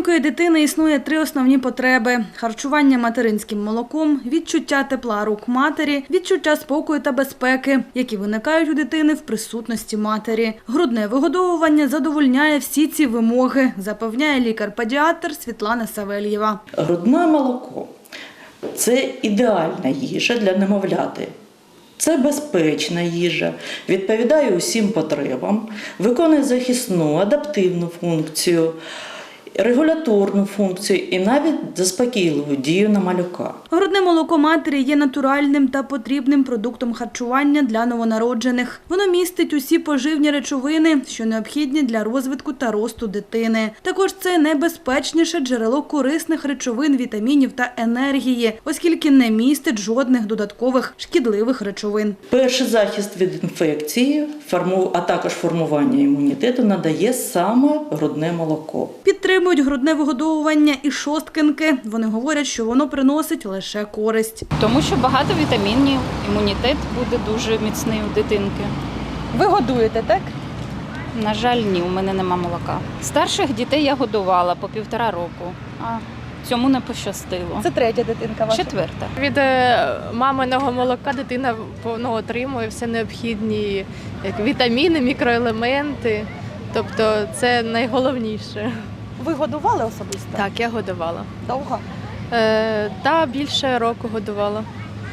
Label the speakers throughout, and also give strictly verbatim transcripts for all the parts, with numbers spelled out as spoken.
Speaker 1: маленької дитини існує три основні потреби – харчування материнським молоком, відчуття тепла рук матері, відчуття спокою та безпеки, які виникають у дитини в присутності матері. Грудне вигодовування задовольняє всі ці вимоги, запевняє лікар-педіатр Світлана Савельєва.
Speaker 2: Грудне молоко – це ідеальна їжа для немовляти. Це безпечна їжа, відповідає усім потребам, виконує захисну, адаптивну функцію, регуляторну функцію і навіть заспокійливу дію на малюка.
Speaker 1: Грудне молоко матері є натуральним та потрібним продуктом харчування для новонароджених. Воно містить усі поживні речовини, що необхідні для розвитку та росту дитини. Також це найбезпечніше джерело корисних речовин, вітамінів та енергії, оскільки не містить жодних додаткових шкідливих речовин.
Speaker 2: Перший захист від інфекції, а також формування імунітету надає саме грудне молоко.
Speaker 1: Підтримують грудне вигодовування і шосткинки. Вони говорять, що воно приносить лише користь.
Speaker 3: Тому що багато вітамінів, імунітет буде дуже міцний у дитинки.
Speaker 1: Ви годуєте, так?
Speaker 3: На жаль, ні, у мене нема молока. Старших дітей я годувала по півтора року, а цьому не пощастило.
Speaker 1: Це третя дитинка ваша?
Speaker 3: Четверта.
Speaker 4: Від маминого молока дитина ну, отримує все необхідні як вітаміни, мікроелементи. Тобто це найголовніше.
Speaker 1: Ви годували особисто?
Speaker 4: Так, я годувала.
Speaker 1: Довго?
Speaker 4: Е, та більше року годувала.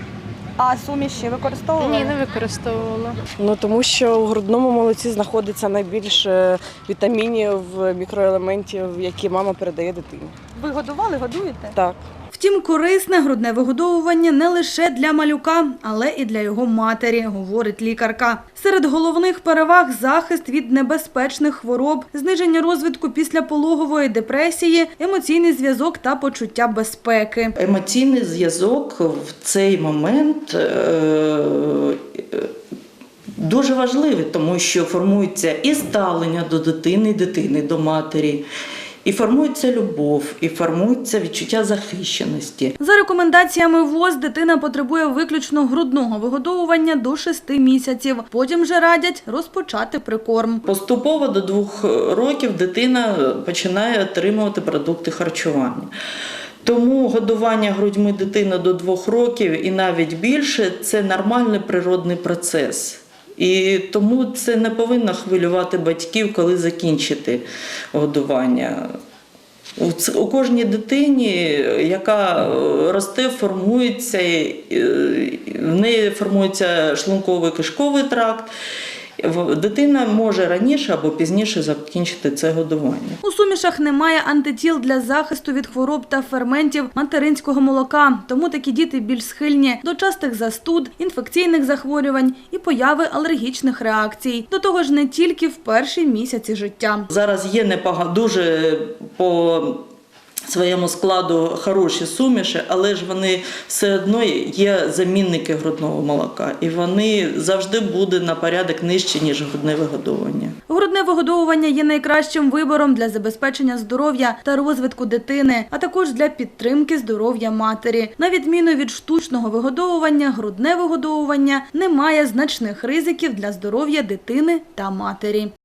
Speaker 1: А суміші використовували?
Speaker 4: Ні, не використовувала.
Speaker 5: Ну, тому що у грудному молоці знаходиться найбільше вітамінів, мікроелементів, які мама передає дитині.
Speaker 1: Ви годували, годуєте?
Speaker 5: Так.
Speaker 1: Втім, корисне грудне вигодовування не лише для малюка, але і для його матері, говорить лікарка. Серед головних переваг – захист від небезпечних хвороб, зниження розвитку післяпологової депресії, емоційний зв'язок та почуття безпеки.
Speaker 2: Емоційний зв'язок в цей момент дуже важливий, тому що формується і ставлення до дитини, і дитини до матері. І формується любов, і формується відчуття захищеності.
Speaker 1: За рекомендаціями ВОЗ, дитина потребує виключно грудного вигодовування до шести місяців. Потім же радять розпочати прикорм.
Speaker 2: Поступово до двох років дитина починає отримувати продукти харчування. Тому годування грудьми дитини до двох років і навіть більше – це нормальний природний процес. І тому це не повинно хвилювати батьків, коли закінчити годування. У кожній дитині, яка росте, формується, в неї формується шлунково-кишковий тракт, дитина може раніше або пізніше закінчити це годування.
Speaker 1: У сумішах немає антитіл для захисту від хвороб та ферментів материнського молока, тому такі діти більш схильні до частих застуд, інфекційних захворювань і появи алергічних реакцій. До того ж, не тільки в перші місяці життя.
Speaker 2: Зараз є непогано, дуже по своєму складу хороші суміші, але ж вони все одно є замінники грудного молока. І вони завжди будуть на порядок нижче, ніж грудне вигодовування.
Speaker 1: Грудне вигодовування є найкращим вибором для забезпечення здоров'я та розвитку дитини, а також для підтримки здоров'я матері. На відміну від штучного вигодовування, грудне вигодовування не має значних ризиків для здоров'я дитини та матері.